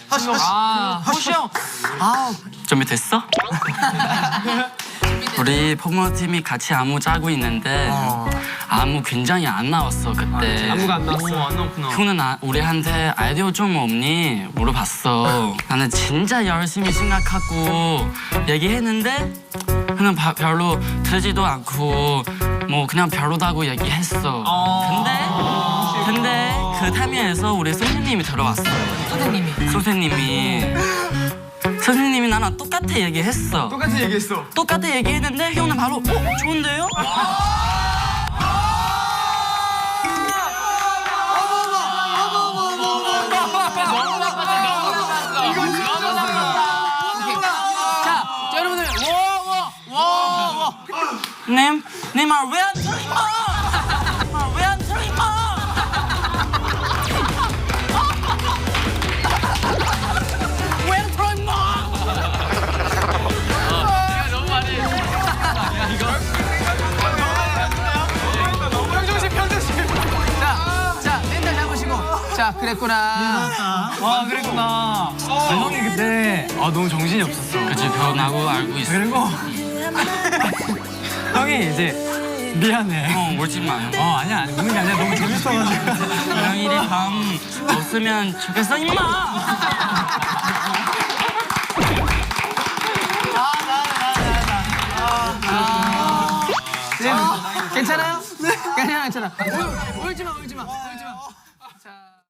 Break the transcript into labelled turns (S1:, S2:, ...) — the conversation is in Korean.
S1: 호시 형. 준비됐어? 우리 폭모팀이 같이 안무 짜고 있는데 안무 굉장히 안 나왔어 그때.
S2: 안무가 안 나왔어. 안 나왔구나.
S1: 형은 우리한테 아이디어 좀 없니? 물어봤어. 나는 진짜 열심히 생각하고 얘기했는데 그냥 별로 들지도 않고 뭐 그냥 별로다고 얘기했어. 근데 그 타임에서 우리 선생님이 들어왔어요. 선생님이 나랑 똑같아 얘기했어. 똑같아 얘기했는데 형은 바로 좋은데요?
S2: 자, 여러분들
S1: 님 말 왜 안 들어 임마? 왜 안 들어 임마? 왜 안 들어 임마?
S2: 너무 많이. 야 이거. 평정심. 자, 멘탈 잡으시고. 자, 그랬구나.
S3: 와 그랬구나. 형이 그때 너무 정신이 없었어.
S1: 그치 변하고 알고 있어.
S3: 그리고 형이 이제 미안해.
S1: 울지 마 형.
S3: 아니야 우는 게 아니라 너무 재밌어가지고.
S1: 고양이리 밤 없으면 좋겠어 임마.
S2: 괜찮아요? 괜찮아. 울지 마.